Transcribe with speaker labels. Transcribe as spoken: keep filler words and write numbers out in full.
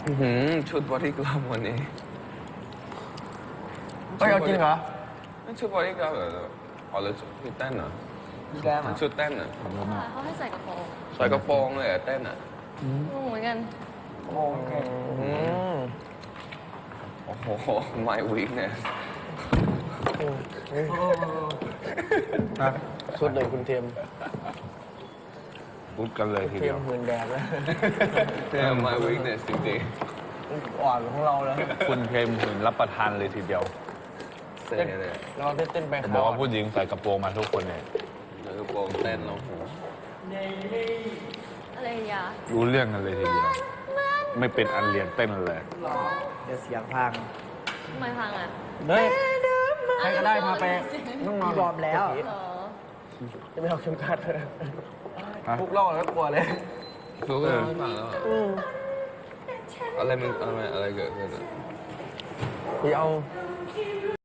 Speaker 1: ชุดบอดี้กราฟวันนี้
Speaker 2: เฮ้ยเอาจริงเหรอ
Speaker 1: ชุดบอดี้กราฟเหรออ๋อแล้วชุดเต้นเหรอชุดเต้นเหรอ
Speaker 3: เขาให้ใส่กระโปรง
Speaker 1: ใส่กระโปรงเลยเต้นอ่ะ
Speaker 3: เหมือนกัน
Speaker 2: โอเค
Speaker 1: โอ้โห my weakness
Speaker 2: สุดเลยคุณเทียม
Speaker 4: พูดกันเลยที
Speaker 2: เที
Speaker 4: เดี
Speaker 2: ย
Speaker 4: ย
Speaker 2: ม
Speaker 4: ว
Speaker 2: หืนแดดแล้ว
Speaker 1: my weakness จริง
Speaker 2: อ่อนของเราแล้ว
Speaker 4: คุณเทมถึงรับประทานเลยทีเดียว
Speaker 1: ๆเต้นเลย
Speaker 2: เราได้เต้นไป
Speaker 4: บอกว่าผู้หญิงใส่กระโปรงมาทุกคนเนี่ย
Speaker 1: ใส่กระโปรงเต้นแล้วโห
Speaker 3: อะไรอย่างเงี้ย
Speaker 4: รู้เรื่องกันเลยทีเดียว ไม่เป็นอันเรียนเต้นเลย
Speaker 2: เดี๋ยวเสียงพัง
Speaker 3: ทำไมพังอ่ะ
Speaker 2: เฮ้ยใครก็ได้พาไปน้องนอนบอมแล้ว
Speaker 3: เหรอ
Speaker 2: จะไม่เอาเข็มขัดเลยพวกเล่าแล้วกลัวเลย
Speaker 1: รู้ก็ไม่ฟังแล้วอะไรมันอะไรอะไรเกิดขึ้นอ่ะ
Speaker 2: พี่เอา